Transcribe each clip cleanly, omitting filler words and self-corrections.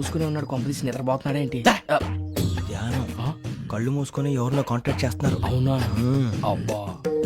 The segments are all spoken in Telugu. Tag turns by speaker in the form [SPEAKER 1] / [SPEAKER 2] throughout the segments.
[SPEAKER 1] మూసుకునే ఉన్నాడు, కొంపదీసి నిద్రపోతున్నాడేంటి?
[SPEAKER 2] ధ్యానం. కళ్ళు మూసుకొని ఎవరినో కాంటాక్ట్ చేస్తున్నారు.
[SPEAKER 1] అవునా? అబ్బా.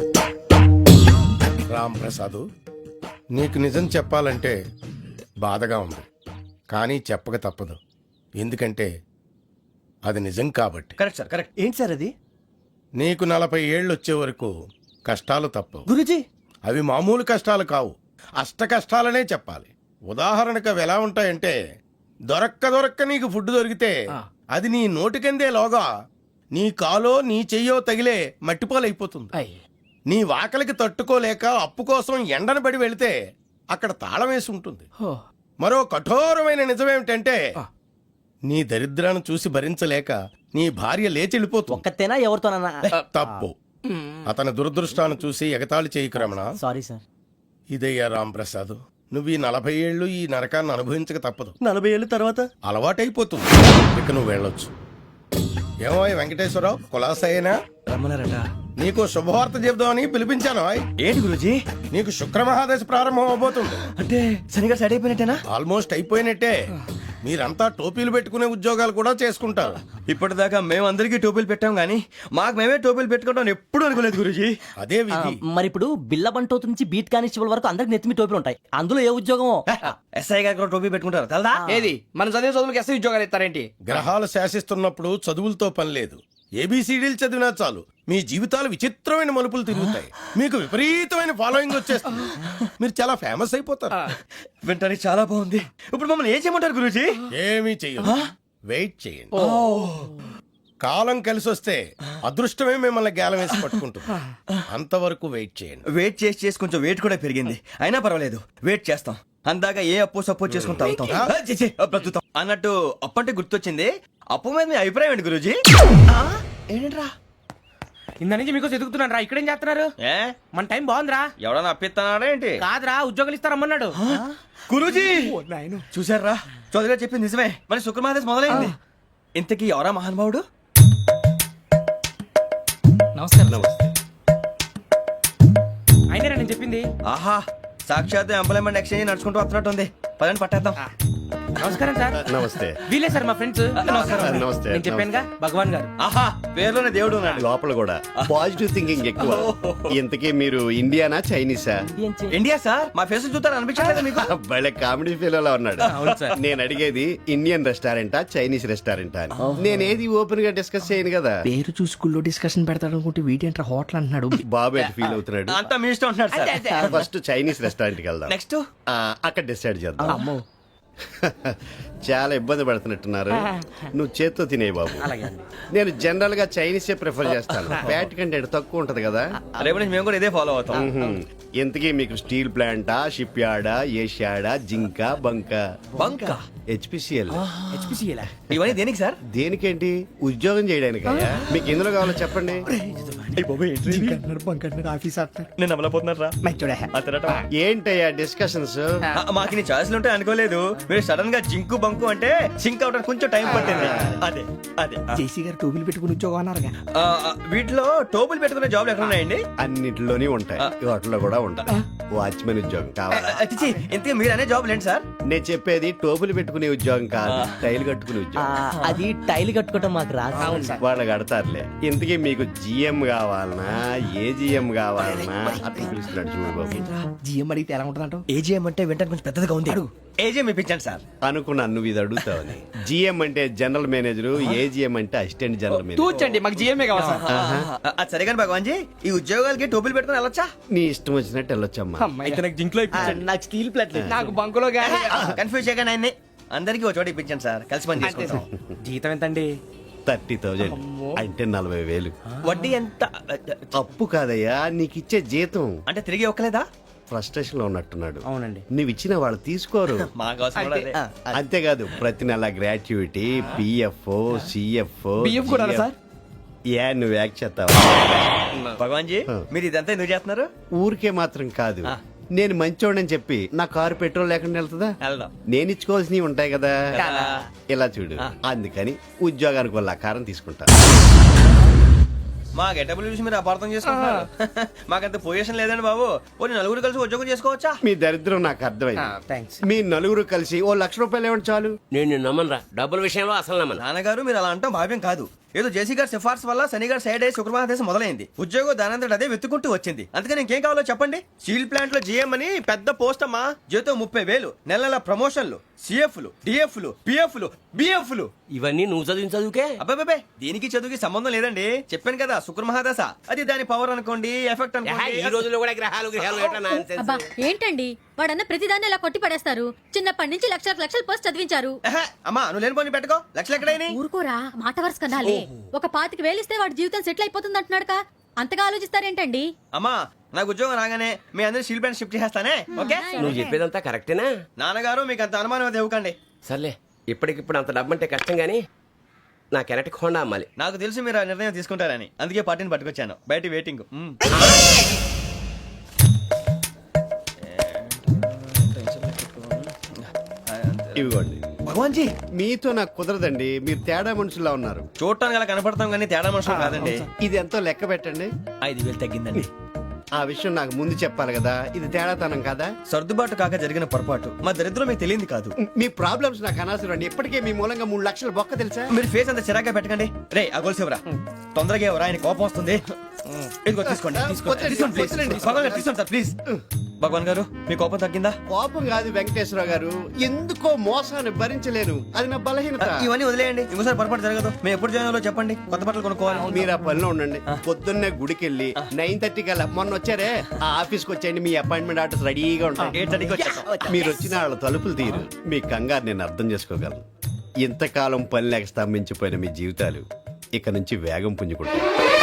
[SPEAKER 3] రామ్ ప్రసాద్, నీకు నిజం చెప్పాలంటే బాధగా ఉంది, కానీ చెప్పక తప్పదు. ఎందుకంటే అది నిజం కాబట్టి.
[SPEAKER 2] Correct sir, correct. ఏంటి సార్ అది?
[SPEAKER 3] నీకు 40 ఏళ్ళు వచ్చే వరకు కష్టాలు తప్పవు.
[SPEAKER 2] గురూజీ,
[SPEAKER 3] అవి మామూలు కష్టాలు కావు, అష్ట కష్టాలనే చెప్పాలి. ఉదాహరణకు అవి ఎలా ఉంటాయంటే, దొరక్క నీకు ఫుడ్ దొరికితే అది నీ నోటికందే లోగా నీ కాలో నీ చెయ్యో తగిలే మట్టిపాలైపోతుంది. నీ వాకలికి తట్టుకోలేక అప్పు కోసం ఎండను పడి వెళితే అక్కడ తాళం వేసి ఉంటుంది. మరో కఠోరమైన నిజమేమిటంటే, నీ దరిద్రాన్ని చూసి భరించలేక నీ భార్య లేచి వెళ్ళిపోతుంది.
[SPEAKER 4] ఒక్కతేనా ఎవరితోనన్నా?
[SPEAKER 3] తప్పు. అతని దురదృష్టాన్ని చూసి ఎగతాళి చేయకు రమణ.
[SPEAKER 4] Sorry sir.
[SPEAKER 3] ఇదయ్యా రాంప్రసాద్, నువ్వు ఈ 40 ఏళ్ళు ఈ నరకాన్ని అనుభవించక తప్పదు.
[SPEAKER 2] 40 ఏళ్ళ తర్వాత
[SPEAKER 3] అలవాటైపోతుంది. ఇక నువ్వు వెళ్ళొచ్చు. ఏమో వెంకటేశ్వరరావు, కులాసైనా
[SPEAKER 2] రమ్మన్నారట.
[SPEAKER 3] నీకు శుభవార్త చెబుదామని పిలిపించాను.
[SPEAKER 2] ఏంటి గురూజీ?
[SPEAKER 3] నీకు శుక్రమహాదశ ప్రారంభం అవబోతుంది.
[SPEAKER 2] అంటే సరిగా సెట్ అయిపోయినట్టేనా?
[SPEAKER 3] ఆల్మోస్ట్ అయిపోయినట్టే. మీరంతా టోపీలు పెట్టుకునే ఉద్యోగాలు కూడా చేసుకుంటారు.
[SPEAKER 2] ఇప్పటిదాకా మేమందరికీ టోపీలు పెట్టాం గానీ మాకు మేమే టోపీలు పెట్టుకుంటాం ఎప్పుడు అనుకోలేదు గురూజీ.
[SPEAKER 3] అదే విధి.
[SPEAKER 4] మరి ఇప్పుడు బిల్ల బంటోతు నుంచి బీట్ కానిస్టేబుల్ వరకు అందరికి నెత్తిమి టోపీలు ఉంటాయి. అందులో ఏ ఉద్యోగం?
[SPEAKER 2] ఎస్ఐ గారు కూడా టోపీ పెట్టుకుంటారు తెలదా?
[SPEAKER 1] ఏది మన చదువులకు ఎస్ఐ ఉద్యోగాలు ఇస్తారేంటి?
[SPEAKER 3] గ్రహాలు శాసిస్తున్నప్పుడు చదువులతో పని లేదు. ఏబిసిడీలు చదివినా చాలు మీ జీవితాలు విచిత్రమైన మలుపులు తిరుగుతాయి. మీకు విపరీతమైన ఫాలోయింగ్ వచ్చేస్తుంది. మీరు చాలా ఫేమస్ అయిపోతారు.
[SPEAKER 2] వింటానికి చాలా బాగుంది. ఇప్పుడు మమ్మల్ని ఏం చేయమంటారు గురూజీ?
[SPEAKER 3] ఏమీ చెయ్యదు, వెయిట్ చేయండి. కాలం కలిసి వస్తే అదృష్టమే మిమ్మల్ని గేలం వేసి పట్టుకుంటుంది. అంతవరకు వెయిట్ చేయండి.
[SPEAKER 2] వెయిట్ చేసి కొంచెం వెయిట్ కూడా పెరిగింది. అయినా పర్వాలేదు, వెయిట్ చేస్తాం. అందాక ఏ అప్పు సపోర్ట్ చేసుకుని తాగుతాం అన్నట్టు. అప్పు అంటే గుర్తొచ్చింది. అప్పు మీద మీ అభిప్రాయం ఏంటి గురూజీ? ఏంటరా
[SPEAKER 1] ఇంత నుంచి మీకు ఎదుగుతున్నాను రా. ఇక్కడేం చేస్తున్నారు?
[SPEAKER 2] ఏ
[SPEAKER 1] మన టైం బాగుందిరా.
[SPEAKER 2] ఎవడన్నా అప్పిస్తున్నాడా ఏంటి?
[SPEAKER 1] కాదురా, ఉద్యోగాలు ఇస్తారమ్మన్నాడు.
[SPEAKER 2] గురూజీ చూసారా, చౌదరిగా చెప్పింది నిజమే. మరి శుక్రమాదేశ్ మొదలైంది. ఇంతకీ ఎవరా మహానుభావుడు?
[SPEAKER 1] నమస్కారం. అయినా నేను చెప్పింది.
[SPEAKER 2] ఆహా, సాక్షాత్ ఎంప్లాయ్మెంట్ ఎక్స్చేంజ్ నడుచుకుంటూ వస్తున్నట్టు ఉంది. పదండి పట్టేద్దాం.
[SPEAKER 1] నమస్కారం సార్.
[SPEAKER 5] నమస్తే.
[SPEAKER 1] వీలే సార్ మా ఫ్రెండ్స్.
[SPEAKER 5] నమస్తే.
[SPEAKER 1] నేను చెప్పానుగా, భగవాన్ గారు.
[SPEAKER 2] ఆహా, పేర్లోనే దేవుడు ఉన్నాడు.
[SPEAKER 5] లోపల కూడా పాజిటివ్ థింకింగ్ ఎక్కువ. ఇంతకీ మీరు ఇండియానా చైనీసా?
[SPEAKER 2] India sir. మా ఫేస్ చూస్తారు అనిపించలేదు మీకు?
[SPEAKER 5] భలే కామెడీ ఫీల్ అలా ఉన్నాడు. నేను అడిగేది ఇండియన్ రెస్టారెంటా చైనీస్ రెస్టారెంటా అని. నేనేది ఓపెన్ గా డిస్కస్ చేయను కదా.
[SPEAKER 1] పేరు చూసి స్కూల్లో డిస్కషన్ పెడతాడు అనుకుంటే వీటేంట్రా హోటల్ అంటున్నాడు.
[SPEAKER 5] బాబు ఎట్ ఫీల్ అవుతున్నాడు.
[SPEAKER 2] అంతా మీ ఇష్టం ఉంటున్నారు సార్.
[SPEAKER 5] ఫస్ట్ చైనీస్ రెస్టారెంట్ కి వెళ్దాం.
[SPEAKER 2] నెక్స్ట్
[SPEAKER 5] అక్కడ డిసైడ్ చేద్దాం. చాలా ఇబ్బంది పడుతున్నట్టున్నారు. నువ్వు చేత్తో తినే బాబు. నేను జనరల్ గా చైనీసే ప్రిఫర్ చేస్తాను. ఫ్యాట్ కంటెంట్ తక్కువ ఉంటది కదా.
[SPEAKER 2] రేపు నుంచి మేము కూడా ఇదే ఫాలో అవుతాం.
[SPEAKER 5] ఇంతకీ మీకు స్టీల్ ప్లాంటా, షిప్ యార్డా, ఏషియాడా, జింక, బంకా? హెచ్పిసిఎల్.
[SPEAKER 2] ఇవన్నీ దేనికి సార్?
[SPEAKER 5] దేనికేంటి? ఉద్యోగం చేయడానికి. మీకు ఎందులో కావాలో చెప్పండి.
[SPEAKER 2] నేను అమలపోతున్నారా?
[SPEAKER 5] ఏంటయ్యా డిస్కషన్స్?
[SPEAKER 2] మాకు నీ ఛాయిస్లు ఉంటాయి అనుకోలేదు. మీరు సడన్ గా జింకు బంకు అంటే సింక్ అవడానికి కొంచెం టైం పట్టింది. అదే అదే
[SPEAKER 1] జేసీ గారు టోపీలు పెట్టుకుని ఉద్యోగం అన్నారుగా.
[SPEAKER 2] వీటిలో టోపులు పెట్టుకునే జాబ్లు ఎక్కడ ఉన్నాయండి?
[SPEAKER 5] అన్నిటిలోనే ఉంటాయి, వాటిలో కూడా ఉంటాయి. వాచ్మెన్ ఉద్యోగం కావాలా?
[SPEAKER 2] ఇంతకీ మీరు అనే జాబ్ ఏంటి సార్?
[SPEAKER 5] నేను చెప్పేది టోపులు పెట్టుకునే ఉద్యోగం కాదు, టైల్ కట్టుకునే ఉద్యోగం.
[SPEAKER 4] అది టైల్ కట్టుకోవటం మాకు రాదు.
[SPEAKER 5] వాళ్ళు కడతారులే. ఇంతకీ మీకు జిఎం కావాలనా, ఏజిఎం కావాలనా? అట్లా పిలుస్తున్నాడు చూడు బాబు.
[SPEAKER 1] జిఎం అడిగితే ఎలా ఉంటుందంట?
[SPEAKER 2] ఏజీఎం అంటే వింటానికి కొంచెం పెద్దదిగా ఉంది. ఏజీఎం ఇప్పించండి సార్.
[SPEAKER 5] అనుకున్నాను నువ్వు ఇది అడుగుతావని. జిఎం అంటే జనరల్ మేనేజర్, ఏజిఎం అంటే అసిస్టెంట్ జనరల్ మేనేజర్.
[SPEAKER 1] తూచండి, మాకు జిఎంఏ కావాలి సార్.
[SPEAKER 2] అది సరే కానీ భగవాన్ జీ, ఈ ఉద్యోగాలకి టోపులు పెట్టుకుని వెళ్ళొచ్చా?
[SPEAKER 5] నీ ఇష్టం వచ్చినట్టు వెళ్ళొచ్చమ్మా.
[SPEAKER 1] అయితే నాకు జింక్లో
[SPEAKER 4] నాకు స్టీల్ ప్లేట్
[SPEAKER 1] నాకు బంకులో గానీ.
[SPEAKER 2] కన్ఫ్యూజ్ చేయగానే ఆయన్ని అందరికీ ఒక చోట ఇప్పించండి సార్. కలిసి పని చేసుకుంటాం.
[SPEAKER 1] జీతం ఎంతండి?
[SPEAKER 5] 30,000 అంటే 40,000.
[SPEAKER 2] వడ్డీ ఎంత?
[SPEAKER 5] అప్పు కాదయ్యా, నీకు ఇచ్చే జీతం.
[SPEAKER 2] అంటే తిరిగి ఒక్కలేదా?
[SPEAKER 5] ఫ్రస్ట్రేషన్ లో ఉన్నట్టున్నాడు.
[SPEAKER 1] అవునండి.
[SPEAKER 5] నువ్వు ఇచ్చిన వాళ్ళు తీసుకోరు.
[SPEAKER 2] మాకు అవసరం కూడా అదే.
[SPEAKER 5] అంతేకాదు ప్రతి నెల గ్రాట్యుటీ, పిఎఫ్, సిఎఫ్.
[SPEAKER 1] బియ్యం కూడా సార్?
[SPEAKER 5] ఏ నువ్వు యాక్ట్ చేస్తావా?
[SPEAKER 2] భగవాన్ జీ, మీరు ఇదంతా ఎందుకు చేస్తున్నారు?
[SPEAKER 5] ఊరికే మాత్రం కాదు, నేను మంచోడని చెప్పి నా కారు పెట్రోల్ లేకుండా వెళ్తుందా?
[SPEAKER 2] వెళ్దాం.
[SPEAKER 5] నేను ఇచ్చుకోవాల్సినవి ఉంటాయి కదా. ఇలా చూడు, అందుకని ఉద్యోగానికి వాళ్ళ ఆకారం తీసుకుంటా.
[SPEAKER 2] మా గెటబుల్ చూసి మీరు అపార్థం చేసుకుంటున్నారు. మాకంత పొజిషన్ లేదండి బాబు. ఓ నలుగురు కలిసి ఉద్యోగం చేసుకోవచ్చా?
[SPEAKER 5] మీ దరిద్రం నాకు అర్థమైంది.
[SPEAKER 1] థ్యాంక్స్.
[SPEAKER 5] మీ నలుగురు కలిసి ఓ ₹1,00,000 ఇవ్వండి చాలు.
[SPEAKER 6] నేను నమ్మనరా, డబ్బుల విషయంలో అసలు నమ్మను.
[SPEAKER 2] నాన్నగారు మీరు అలా అంటాం భావ్యం కాదు. ఏదో జేసీ గారి సిఫార్సు వల్ల శని గారు సైడ్ అయ్యి శుక్రమహాదేశం మొదలైంది. ఉద్యోగం దానంతటి అదే వెతుకుంటూ వచ్చింది. అందుకని ఇంకేం కావాలో చెప్పండి. స్టీల్ ప్లాంట్ లో జీఎం అని పెద్ద పోస్ట్ అమ్మా. జీతం 30,000, నెల నెల ప్రమోషన్లు, సిఎఫ్లు, డిఎఫ్లు, పిఎఫ్లు, బిఎఫ్లు.
[SPEAKER 6] ఇవన్నీ నువ్వు చదివిన చదువుకే.
[SPEAKER 2] అబ్బాబే దీనికి చదువుకి సంబంధం లేదండి. చెప్పాను కదా శుక్రమహాదశ. అది దాని పవర్ అనుకోండి, ఎఫెక్ట్
[SPEAKER 6] ఈ
[SPEAKER 2] అనుకోండి.
[SPEAKER 6] రోజుల్లో కూడా గ్రహాలు ఎట్లా nonsense?
[SPEAKER 7] అబ్బా ఏంటండి వాడన్న ప్రతిదాన్ని ఇలా కొట్టి పడేస్తారు. చిన్నప్పటి నుంచి లక్షల పోస్ట్ చదివించారు.
[SPEAKER 2] ఎహె, అమ్మా నువ్వు లేని పోనీ పెట్టుకో. లక్షలు ఎక్కడైనా
[SPEAKER 7] ఊరుకోరా, మాట వరుస కదాలే. ఒక 25,000 ఇస్తే వాడి జీవితం సెటిల్ అయిపోతుంది అంటున్నాడుగా. అంతగా ఆలోచిస్తారేంటండి?
[SPEAKER 2] అమ్మా నాకు ఉద్యోగం రాగానే మీ అందరూ స్టీల్ ప్లాంట్ షిఫ్ట్ చేస్తానే. ఓకే
[SPEAKER 6] నువ్వు చెప్పేదంతా కరెక్టేనా?
[SPEAKER 2] నాన్నగారు మీకు అంత అనుమానం అది ఇవ్వకండి.
[SPEAKER 6] సర్లే, ఇప్పటికిప్పుడు అంత డబ్బు అంటే కష్టం గానీ నా కెనటిక్ హోండా అమ్మాలి.
[SPEAKER 2] నాకు తెలిసి మీరు ఆ నిర్ణయం తీసుకుంటారని, అందుకే పార్టీని పట్టుకొచ్చాను. బయట వెయిటింగ్.
[SPEAKER 5] ఇవ్వండి.
[SPEAKER 2] భగవాన్ జీ
[SPEAKER 5] మీతో నాకు కుదరదండి. మీరు తేడా మనుషుల్లా ఉన్నారు.
[SPEAKER 2] చూడటానికి అలా కనపడతాం కానీ తేడా మనుషులు కాదండి.
[SPEAKER 5] ఇది ఎంతో లెక్క పెట్టండి.
[SPEAKER 2] 5,000 తగ్గిందండి.
[SPEAKER 5] ఆ విషయం నాకు ముందు చెప్పాలి కదా. ఇది తేడాతనం కదా.
[SPEAKER 2] సర్దుబాటు కాక జరిగిన పొరపాటు. మా దరిద్రం మీకు తెలియంది కాదు.
[SPEAKER 5] మీ ప్రాబ్లమ్స్ నాకు అనవసరం అండి. ఇప్పటికే మీ మూలంగా 3 లక్షలు బొక్క తెలుసా.
[SPEAKER 2] మీరు ఫేస్ అంత చిరాగ్గా పెట్టకండి. రే ఆ గొలుసేవరా తొందరగా ఎవరా, ఆయన కోపం వస్తుంది. ఇదిగో తీసుకోండి. తీసుకోండి, please. భగవాన్ గారు తీసుకోండి సార్ ప్లీజ్. భగవాన్ గారు మీ కోపం తగ్గిందా?
[SPEAKER 5] కోపం కాదు వెంకటేశ్వరరావు గారు, ఎందుకో మోసాన్ని భరించలేను. అది నా బలహీనత.
[SPEAKER 2] ఇవన్నీ వదిలేయండి. ఇంకోసారి పొరపాటు జరగదు. మేము ఎప్పుడు జాయిన్ అవ్వాలో చెప్పండి. కొత్త బట్టలు కొనుక్కోవాలి.
[SPEAKER 5] మీరు ఆ పనిలో ఉండండి. పొద్దున్నే గుడికి వెళ్ళి 9:30 కల్లా మొన్న వచ్చారే ఆ ఆఫీస్కి వచ్చేయండి. మీ అపాయింట్మెంట్ ఆర్డర్స్ రెడీగా ఉంటాయి.
[SPEAKER 2] 8:30కి వచ్చేస్తాం.
[SPEAKER 5] మీరు వచ్చిన వాళ్ళ తలుపులు తీరు. మీ కంగారు నేను అర్థం చేసుకోగలను. ఇంతకాలం పని లేక స్తంభించిపోయిన మీ జీవితాలు ఇక నుంచి వేగం పుంజుకుంటాయి.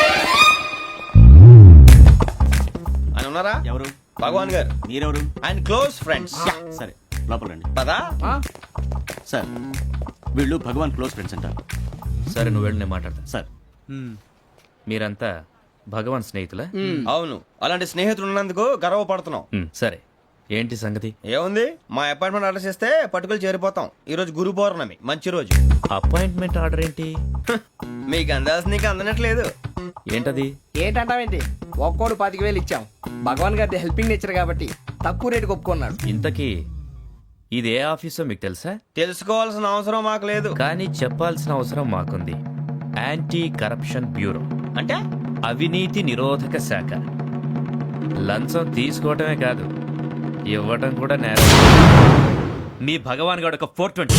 [SPEAKER 2] అని ఉన్నారా?
[SPEAKER 8] ఎవరు?
[SPEAKER 2] భగవాన్ గారు.
[SPEAKER 8] మీరెవరు?
[SPEAKER 2] And close friends.
[SPEAKER 8] సరే లోపల రండి.
[SPEAKER 2] పదా
[SPEAKER 8] సార్ వీళ్ళు భగవాన్ క్లోజ్ ఫ్రెండ్స్ అంటారు.
[SPEAKER 1] సరే నువ్వు వెళ్ళి నేను మాట్లాడతా.
[SPEAKER 8] సార్
[SPEAKER 1] మీరంతా భగవాన్ స్నేహితులా?
[SPEAKER 2] అవును, అలాంటి స్నేహితులు ఉన్నందుకు గర్వపడుతున్నాం.
[SPEAKER 1] సరే ఏంటి సంగతి?
[SPEAKER 2] ఏముంది, మా అపాయింట్మెంట్ ఆర్డర్ చేస్తే పట్టుకులు చేరిపోతాం. ఈ రోజు గురు పౌర్ణమి, మంచి రోజు.
[SPEAKER 1] అపాయింట్మెంట్ ఆర్డర్ ఏంటి?
[SPEAKER 2] మీకు అందాల్సిన నీకు అందనట్లేదు.
[SPEAKER 1] ఏంటది?
[SPEAKER 9] ఏంటంటావేంటి? ఒక్కోడు 25,000 ఇచ్చాం. భగవాన్ గారి హెల్పింగ్ నేచర్ కాబట్టి తక్కువ రేటుకి ఒప్పుకున్నాడు.
[SPEAKER 1] ఇంతకీ ఇది ఏ ఆఫీసో మీకు తెలుసా?
[SPEAKER 2] తెలుసుకోవాల్సిన అవసరం మాకు లేదు.
[SPEAKER 1] కానీ చెప్పాల్సిన అవసరం మాకుంది. యాంటీ కరప్షన్ బ్యూరో,
[SPEAKER 2] అంటే
[SPEAKER 1] అవినీతి నిరోధక శాఖ. లంచం తీసుకోవటమే కాదు, ఇవ్వటం కూడా నేరం. మీ భగవాన్ గారు ఒక 420.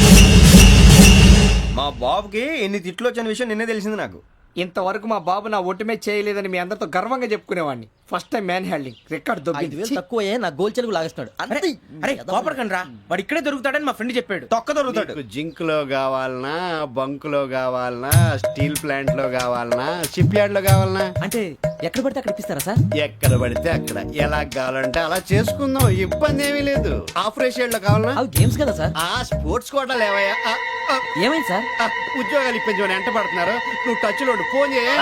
[SPEAKER 2] మా బాబుకి ఎన్ని తిట్లు వచ్చిన విషయం నిన్నే తెలిసింది నాకు.
[SPEAKER 9] ఇంతవరకు మా బాబు నా ఒట్టుమే చేయలేదని మీ అందరితో గర్వంగా చెప్పుకునేవాడిని. First time man handing record
[SPEAKER 4] 5,000 తక్కువే నా గోల్ చెలుగు లాగేస్తున్నాడు. అంతే.
[SPEAKER 1] అరే కోపడకండి రా, వాడు ఇక్కడే దొరుకుతాడని మా ఫ్రెండ్ చెప్పాడు.
[SPEAKER 2] తొక్క దొరుకుతాడు.
[SPEAKER 5] మీకు జింక్ లో కావాలనా, బంక్ లో కావాలనా, స్టీల్ ప్లాంట్ లో కావాలనా, షిప్ యార్డ్ లో కావాలనా?
[SPEAKER 4] అంటే ఎక్కడ పడితే అక్కడ ఇప్పిస్తారా సార్?
[SPEAKER 5] ఎక్కడ పడితే అక్కడ, ఎలా కావాలంటే అలా చేసుకుందాం. ఇబ్బంది ఏమీ లేదు. ఆపరేషన్ లో కావాలనా?
[SPEAKER 4] అవి గేమ్స్ కదా సార్.
[SPEAKER 5] ఆ స్పోర్ట్స్ కోటా లేవయ్యా.
[SPEAKER 4] ఏమైంది సార్?
[SPEAKER 5] ఉద్యోగాలు ఇప్పించమని ఎంట పడుతున్నారు. నువ్వు టచ్ లో ఉండు. ఫోన్ చేయ.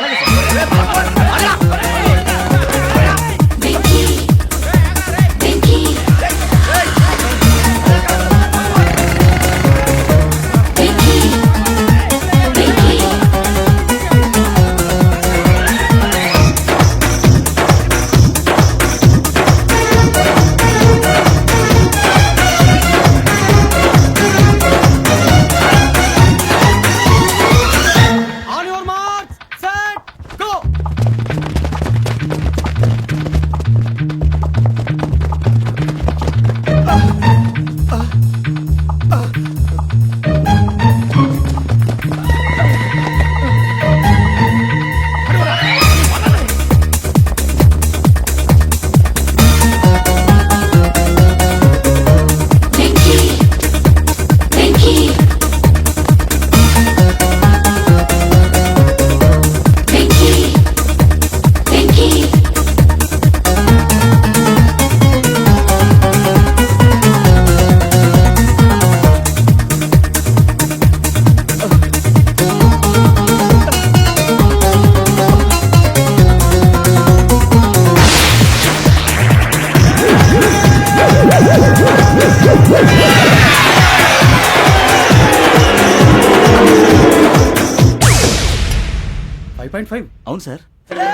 [SPEAKER 8] 9.5 అవును సార్.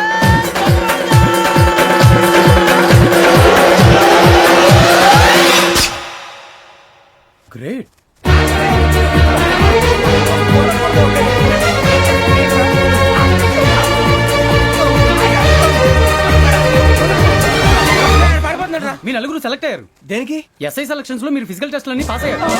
[SPEAKER 8] గ్రేట్.
[SPEAKER 10] మీ నలుగురు సెలెక్ట్ అయ్యారు.
[SPEAKER 2] దేనికి?
[SPEAKER 10] ఎస్ఐ సెలక్షన్స్ లో మీరు ఫిజికల్ టెస్ట్ అన్ని పాస్ అయ్యారు.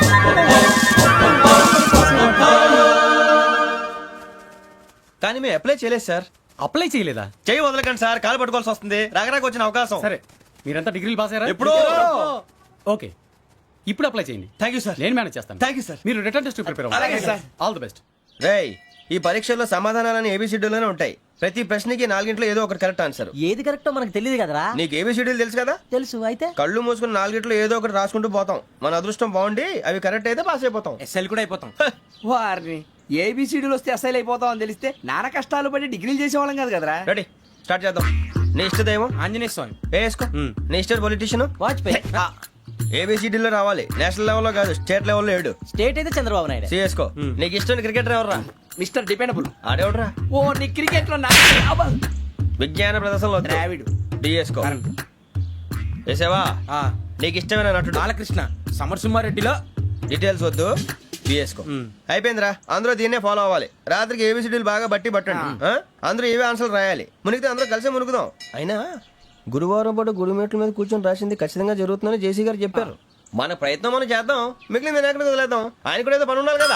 [SPEAKER 2] కానీ మేము అప్లై చేయలేదు సార్.
[SPEAKER 10] అప్లై చేయలేదా?
[SPEAKER 2] చెయ్యి వదలకండి సార్, కాలు పట్టుకోవాల్సి వస్తుంది. రాగరాకు వచ్చిన అవకాశం.
[SPEAKER 10] సరే, మీరంతా డిగ్రీలు పాస్ అయ్యారా?
[SPEAKER 2] ఎప్పుడో.
[SPEAKER 10] ఓకే, ఇప్పుడు అప్లై చేయండి.
[SPEAKER 2] Thank you sir.
[SPEAKER 10] నేను మేనేజ్ చేస్తాను.
[SPEAKER 2] Thank you sir.
[SPEAKER 10] మీరు రిటర్న్ టెస్ట్ ప్రిపేర్
[SPEAKER 2] అలాగే
[SPEAKER 10] అవ్వండి.
[SPEAKER 2] సార్.
[SPEAKER 10] All the best.
[SPEAKER 2] రేయ్, ఈ పరీక్షల్లో సమాధానాలని ఏబిసిడ్యూల్లోనే ఉంటాయి. ప్రతి ప్రశ్నకి 4 ఏదో ఒకటి కరెక్ట్ ఆన్సర్.
[SPEAKER 4] ఏది కరెక్టో మనకు తెలియదు కదరా.
[SPEAKER 2] నీకు ఏబిసిడ్యూల్ తెలుసు కదా?
[SPEAKER 4] తెలుసు. అయితే
[SPEAKER 2] కళ్ళు మూసుకుని 4 ఏదో ఒకటి రాసుకుంటూ పోతాం. మన అదృష్టం బాగుండి అవి కరెక్ట్ అయితే పాస్ అయిపోతాం.
[SPEAKER 9] ఎస్ఎల్ కూడా అయిపోతాం. వారిని ఏబిసిడీలు వస్తే ఎస్ఐలు అయిపోతాం అని తెలిస్తే నాన్న కష్టాలు పడి డిగ్రీలు చేసేవాళ్ళం కాదు కదరా.
[SPEAKER 2] రెడీ, స్టార్ట్ చేద్దాం. నీ ఇష్టదేమో
[SPEAKER 9] ఆంజనేయ స్వామి.
[SPEAKER 2] వేసుకో. నీ ఇష్ట పొలిటీషియన్
[SPEAKER 4] వాజ్పేయి.
[SPEAKER 2] ఏబిసిడీలో రావాలి. నేషనల్ లెవెల్లో కాదు, స్టేట్ లెవెల్లో 7.
[SPEAKER 4] స్టేట్ అయితే చంద్రబాబు నాయుడు.
[SPEAKER 2] సిఎస్కో. నీకు ఇష్టం క్రికెటర్ ఎవర్రా?
[SPEAKER 9] Mister dependable.
[SPEAKER 2] ఆడేవడరా?
[SPEAKER 9] ఓ నీ క్రికెట్ లో
[SPEAKER 2] విజ్ఞాన ప్రదర్శనలో
[SPEAKER 9] ద్రావిడు.
[SPEAKER 2] డిఎస్కో. వేసావా? నీకు ఇష్టమైన నటుడు?
[SPEAKER 9] బాలకృష్ణ. సమర్సింహారెడ్డిలో
[SPEAKER 2] డీటెయిల్స్ వద్దు, బిఎస్కో. అయిపోయిందిరా. అందరూ దీన్నే ఫాలో అవ్వాలి. రాత్రికి ఏబిసిడీలు బాగా బట్టి పట్టండి. అందరూ ఏవే ఆన్సర్లు రాయాలి. మునిగితే అందరూ కలిసే మునుగుదాం. అయినా గురువారం పాటు గురుమేట్ల మీద కూర్చొని రాసింది ఖచ్చితంగా జరుగుతుందని జేసీ గారు చెప్పారు. మన ప్రయత్నం మనం చేద్దాం, మిగిలింది నేను ఎక్కడికి వదిలేద్దాం. ఆయన కూడా ఏదో పని ఉండాలి కదా.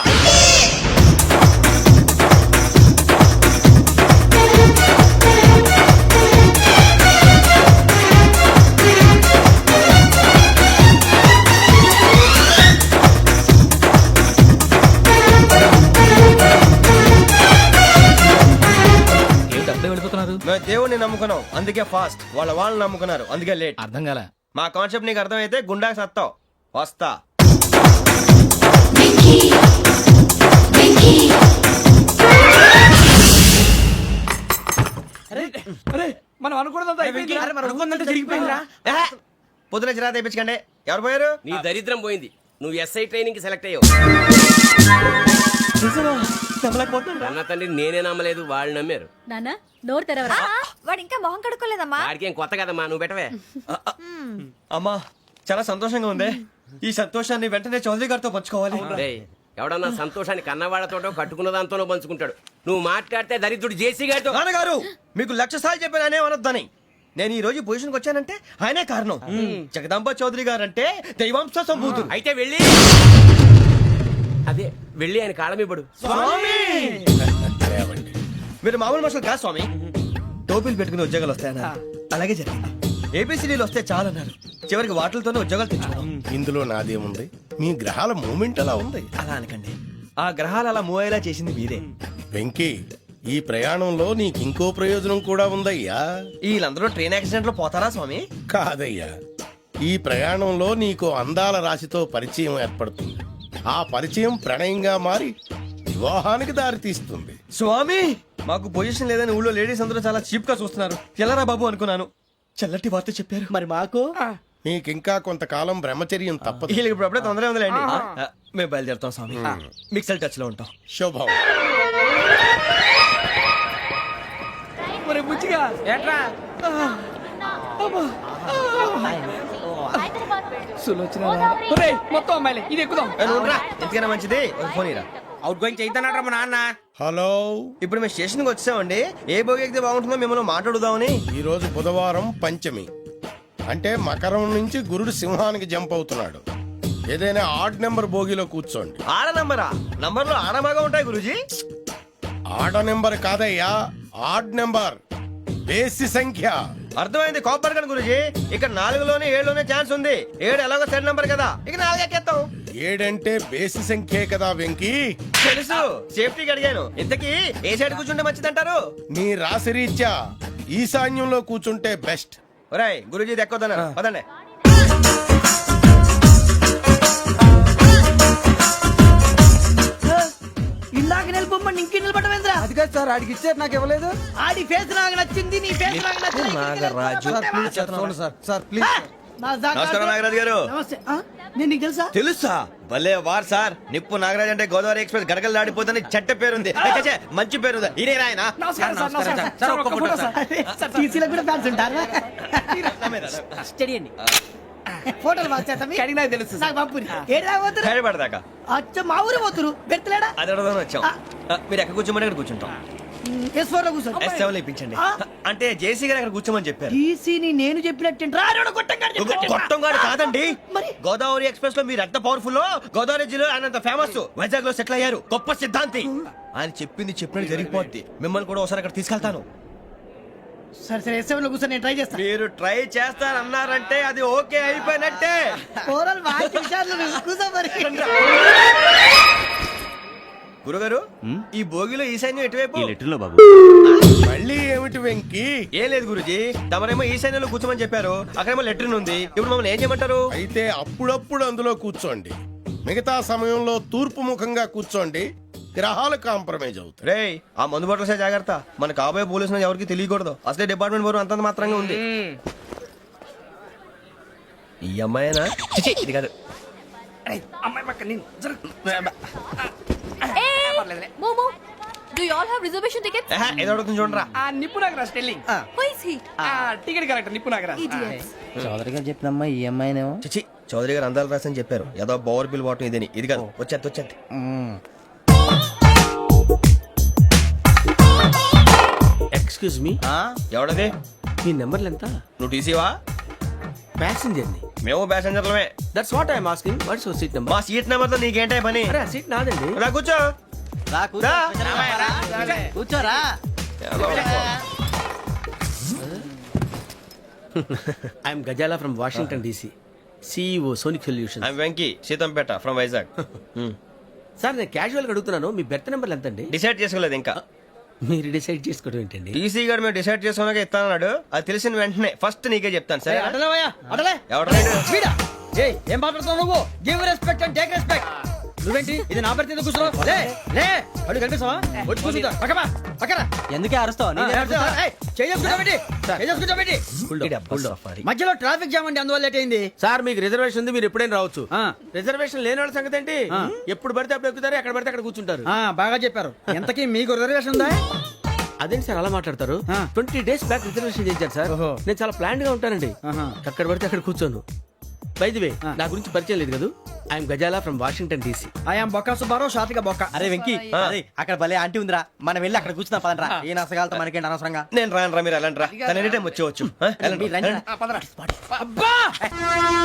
[SPEAKER 10] వెళ్ళిపోతున్నారు.
[SPEAKER 2] మేము దేవుడిని నమ్ముకున్నాం, అందుకే ఫాస్ట్. వాళ్ళని నమ్ముకున్నారు, అందుకే లేట్.
[SPEAKER 10] అర్థం కాల.
[SPEAKER 2] మా కాన్సెప్ట్ నీకు అర్థమైతే గుండా సత్తావు. వస్తా.
[SPEAKER 9] మనం అనుకున్నదంతా జరిగిపోయిందిరా.
[SPEAKER 2] పొద్దున చిరా తెప్పించకండి. ఎవరు పోయారు?
[SPEAKER 6] నీ దరిద్రం పోయింది. నువ్వు ఎస్ఐ ట్రైనింగ్ కి సెలెక్ట్ అయ్యావు. అన్న తండ్రి నేనే నమ్మలేదు, వాళ్ళు నమ్మారు.
[SPEAKER 7] నాన్న నోరు తెరవరా.
[SPEAKER 11] వాడు ఇంకా మొహం కడుక్కోలేదమ్మా.
[SPEAKER 6] వాడికి ఏం కొత్త కదమ్మా, నువ్వు పెట్టవే.
[SPEAKER 2] అమ్మా, చాలా సంతోషంగా ఉంది. ఈ సంతోషాన్ని వెంటనే చౌదరి గారితో పంచుకోవాలి.
[SPEAKER 6] రేయ్, ఎవడన్నా సంతోషాన్ని కన్నవాళ్లతోటో కట్టుకున్న దాంతోనో పంచుకుంటాడు. నువ్వు మాట్లాడితే దరిద్రుడు జేసీ గారితో.
[SPEAKER 2] నాన్నగారు, మీకు 1,00,000 సార్లు చెప్పాను అనే అనొద్దని. నేను ఈ రోజు పొజిషన్కి వచ్చానంటే ఆయనే కారణం. జగదాంబ చౌదరి గారు అంటే దైవాంశ సంభూతుడు.
[SPEAKER 6] అయితే వెళ్ళి అదే వెళ్ళి ఆయన కాళ్ళమివ్వడు.
[SPEAKER 2] మీరు మామూలు మనుషులు కాదు స్వామి. టోపీలు పెట్టుకుని ఉద్యోగాలు వస్తాయన్నా, అలాగే జరిగింది. ఏబిసిడీలు వస్తే చాలన్నారు. చివరికి వాటిలతోనే ఉద్యోగాలు తెచ్చుకున్నాం.
[SPEAKER 3] ఇందులో నాదేముంది? మీ గ్రహాల మూమెంట్ అలా ఉంది.
[SPEAKER 2] అలా అనకండి, ఆ గ్రహాలు అలా మూవ్ అయ్యేలా చేసింది మీరే.
[SPEAKER 3] వెంకీ, ఈ ప్రయాణంలో నీకు ఇంకో ప్రయోజనం కూడా ఉందయ్యా.
[SPEAKER 2] వీళ్ళందరూ ట్రైన్ యాక్సిడెంట్ లో పోతారా స్వామి?
[SPEAKER 3] కాదయ్యా, ఈ ప్రయాణంలో నీకు అందాల రాశితో పరిచయం ఏర్పడుతుంది. ఆ పరిచయం ప్రణయంగా మారి వివాహానికి దారితీస్తుంది.
[SPEAKER 2] స్వామి, మాకు పొజిషన్ లేదని ఊళ్ళో లేడీస్ అందరూ చాలా చీప్ గా చూస్తున్నారు. ఎలారా బాబు అనుకున్నాను. చల్లటి వార్త చెప్పారు.
[SPEAKER 4] మరి మాకు
[SPEAKER 3] నీకింకా కొంతకాలం బ్రహ్మచర్యం తప్పదు.
[SPEAKER 2] వీళ్ళకి ఇప్పుడు అప్పుడే తొందరగా ఉందిలేండి. మేము బయలుదేరుతాం స్వామి. మిక్సెల్ టచ్ లో ఉంటాం.
[SPEAKER 3] శుభం.
[SPEAKER 9] బుచ్చిగా ఏట్రా మొత్తం అమ్మాయిలే, ఇది ఎక్కుదాం.
[SPEAKER 2] ఎందుకైనా మంచిది ఒక ఫోన్ ఇరా.
[SPEAKER 9] అవుట్ గోయింగ్ చేద్దానట్రా మా నాన్న.
[SPEAKER 3] హలో,
[SPEAKER 2] ఇప్పుడు మేము స్టేషన్కి వచ్చామండి. ఏ బోగి ఎక్కితే బాగుంటుందో మిమ్మల్ని మాట్లాడుదామని.
[SPEAKER 3] ఈ రోజు బుధవారం పంచమి, అంటే మకరం నుంచి గురుడు సింహానికి జంప్ అవుతున్నాడు. ఏదైనా ఆడ్ నెంబర్ బోగిలో కూర్చోండి.
[SPEAKER 2] ఆడ నంబరా? నంబర్లో ఆడమాగా ఉంటాయి గురూజీ.
[SPEAKER 3] ఆడ నెంబర్ కాదయ్యా, ఆడ్ నెంబర్, బేసి సంఖ్య.
[SPEAKER 2] అర్థమైంది. కాపర్ కానీ గురూజీ, ఇక్కడ 4లోనే 7లోనే ఛాన్స్ ఉంది. 7 ఎలాగో సెడ్ నంబర్ కదా, ఇక 4 ఎక్కేస్తాం.
[SPEAKER 3] 7 బేసి సంఖ్యే కదా వెంకీ.
[SPEAKER 2] తెలుసు, సేఫ్టీకి అడిగాను. ఇంతకీ ఏ సైడ్ కూర్చుంటే మంచిదంటారు?
[SPEAKER 3] నీ రాశి రీత్యా ఈశాన్యంలో కూర్చుంటే బెస్ట్.
[SPEAKER 2] ఒరేయ్, గురూజీ దెక్కొద్దన్నారు. పదండి.
[SPEAKER 4] ఇందాక నిలబొమ్మని ఇంకే నిలబడమేంద్రా?
[SPEAKER 9] అది కాదు సార్, ఆడికి ఇచ్చారు, నాకు ఇవ్వలేదు.
[SPEAKER 4] ఆడి ఫేస్ నాకు నచ్చింది, నీ ఫేస్ నాకు నచ్చింది.
[SPEAKER 2] Nagaraju,
[SPEAKER 9] sir please.
[SPEAKER 2] నమస్కారం నాగరాజు గారు.
[SPEAKER 9] నేను నీకు తెలుసా
[SPEAKER 2] తెలుసా? భలే వార్ సార్. నిప్పు నాగరాజ్ అంటే గోదావరి ఎక్స్ప్రెస్ గడగలు దాడిపోతుంది చెట్ట పేరుంది. ఛే, మంచి పేరుంది. ఇదే ఆయన
[SPEAKER 9] టీసీలో కూడా ఫ్యాన్స్ ఉంటారా స్టడీ అండి ఫోటోలు కడిగినా తెలుసు నాకు పంపుని ఏడా పోతురు
[SPEAKER 2] హైదరాబాద్దాకా
[SPEAKER 9] అచ్చ మా ఊరు పోతురు బెర్తలేడా
[SPEAKER 2] అది అడగదామని వచ్చాం. మీరు ఎక్కడ కూర్చోమని అక్కడ కూర్చుంటాం.
[SPEAKER 9] S4 లో కూర్చో
[SPEAKER 2] S7 లో ఇప్పించండి. అంటే జేసీ గారు అక్కడ కూర్చోమని చెప్పారు.
[SPEAKER 9] టీసీని నేను చెప్పినట్టు
[SPEAKER 2] గొట్టం గారు కాదండి. గోదావరి ఎక్స్ప్రెస్ లో మీరు ఎంత పవర్ఫుల్, గోదావరి జిల్లా ఆయన ఫేమస్. వైజాగ్ లో సెటిల్ అయ్యారు. గొప్ప సిద్ధాంతి. ఆయన చెప్పింది చెప్పినట్టు జరిగిపోద్ది. మిమ్మల్ని కూడా ఒకసారి అక్కడ తీసుకెళ్తాను.
[SPEAKER 9] సరే సరే S7 లో కూర్చొని నేను ట్రై చేస్తాను.
[SPEAKER 2] మీరు ట్రై చేస్తారన్నారంటే అది ఓకే అయిపోయినట్టే.
[SPEAKER 9] ఓవరాల్ బాగా చూశారు కూర్చో మరి
[SPEAKER 2] గురుగారు ఈ భోగిలో ఈశాన్యం ఎటువైపు?
[SPEAKER 8] లెటర్లో బాబు.
[SPEAKER 3] మళ్ళీ ఏమిటి వెంకీ?
[SPEAKER 2] ఏం లేదు గురుజీ, తమరేమో ఈశాన్యంలో కూర్చోమని చెప్పారు. అక్కడేమో లెటర్ ఉంది. ఇప్పుడు మమ్మల్ని ఏం చేయమంటారు?
[SPEAKER 3] అయితే అప్పుడప్పుడు అందులో కూర్చోండి, మిగతా సమయంలో తూర్పు ముఖంగా కూర్చోండి. గ్రహాలు కాంప్రమైజ్ అవుతాయి.
[SPEAKER 2] రేయ్, ఆ మందు బాటలసే జాగ్రత్త. మన కాబోయే పోలీసులు ఎవరికి తెలియకూడదు. అసలే డిపార్ట్మెంట్ బోరు అంతంత మాత్రంగా ఉంది. ఈ అమ్మాయినా? చిచి, ఇది కాదు.
[SPEAKER 9] అమ్మాయి పక్క నేను
[SPEAKER 7] మోమో do you all have reservation tickets?
[SPEAKER 2] ఏదో అడుగుతుంది చూడరా.
[SPEAKER 9] ఆ నిప్పు Nagaraj telling
[SPEAKER 7] who is he?
[SPEAKER 9] Ticket correct నిప్పు నాగరాజ్
[SPEAKER 7] ఇడియట్స్.
[SPEAKER 4] చౌదరి గారు చెప్పినమ్మా ఈ అమ్మాయినేమో.
[SPEAKER 2] చిచి, చౌదరి గారు అందాలు రాసని చెప్పారు. ఏదో బోర్ బిల్ వాటం ఇదని. ఇది కాదు. వచ్చేది.
[SPEAKER 6] Excuse me,
[SPEAKER 2] ఎవడది?
[SPEAKER 6] మీ నెంబర్లు ఎంత?
[SPEAKER 2] నువ్వు టీసీవా?
[SPEAKER 6] ప్యాసింజర్ ని.
[SPEAKER 2] మేము ప్యాసెంజర్లమే.
[SPEAKER 6] That's what I'm asking. What's your seat number?
[SPEAKER 2] మా సీట్ నెంబర్ తో నీకేంటే పని?
[SPEAKER 6] అరే ఆ సీట్ నాదండి.
[SPEAKER 2] రా కూర్చో.
[SPEAKER 4] కూర్చోరా.
[SPEAKER 6] I'm Gazala from Washington DC, CEO Sonic solution.
[SPEAKER 2] I'm Venky, Seethampeta from Vizag.
[SPEAKER 6] Sir నేను క్యాజువల్ గా అడుగుతున్నాను, మీ బెర్త్ నెంబర్లు ఎంత అండి?
[SPEAKER 2] డిసైడ్ చేసుకోలేదు ఇంకా.
[SPEAKER 6] మీరు డిసైడ్ చేసుకోవడం ఏంటండి?
[SPEAKER 2] టీసీ గారు మేము డిసైడ్ చేసుకున్నాక ఇస్తానన్నాడు. అది తెలిసిన వెంటనే ఫస్ట్ నీకే చెప్తాను. సరే
[SPEAKER 9] అడలే
[SPEAKER 2] ఎవడ
[SPEAKER 9] ఏం మాట్లాడుతున్నావు నువ్వు? Give respect and take respect. నువ్వేంటి ఇది నా పరిస్థితి కూర్చున్నావు? లే లే అడుగు కనిపిస్తావా? వచ్చి కూర్చుంటా పక్కమా పక్కన.
[SPEAKER 4] ఎందుకే అరుస్తావు?
[SPEAKER 9] మధ్యలో ట్రాఫిక్ జామ్ అండి, అందువల్ల లేట్ అయింది.
[SPEAKER 6] సార్ మీకు రిజర్వేషన్ ఉంది, మీరు ఎప్పుడైనా రావచ్చు. రిజర్వేషన్ లేని వాళ్ళ సంగతి ఏంటి? ఎప్పుడు పడితే అప్పుడు ఎక్కుతారు, ఎక్కడ పడితే అక్కడ కూర్చుంటారు.
[SPEAKER 9] బాగా చెప్పారు. ఎంతకీ మీకు రిజర్వేషన్ ఉందా?
[SPEAKER 6] అదేంటి సార్ అలా మాట్లాడతారు? 20 days బ్యాక్ రిజర్వేషన్ చేశారు సార్. నేను చాలా ప్లాన్డ్ గా ఉంటానండి. అక్కడ పడితే అక్కడ కూర్చోను. బై ది వే, నా గురించి పరిచయం లేదు కదా. I'm Gazala from Washington DC.
[SPEAKER 9] I'm బొక్క సుబ్బారావు, షాతిక బొక్క.
[SPEAKER 4] అరే వెంకీ, అరే అక్కడ భలే ఆంటీ ఉందిరా, మనం వెళ్ళి అక్కడ కూర్చున్నా పదంరా. ఏ నసగాలతో మనకేంటి అనవసరంగా.
[SPEAKER 2] నేను రాను రా, మీరు ఎలాంటి రా. తన ఎనీ టైం వచ్చేవచ్చు.
[SPEAKER 9] అబ్బా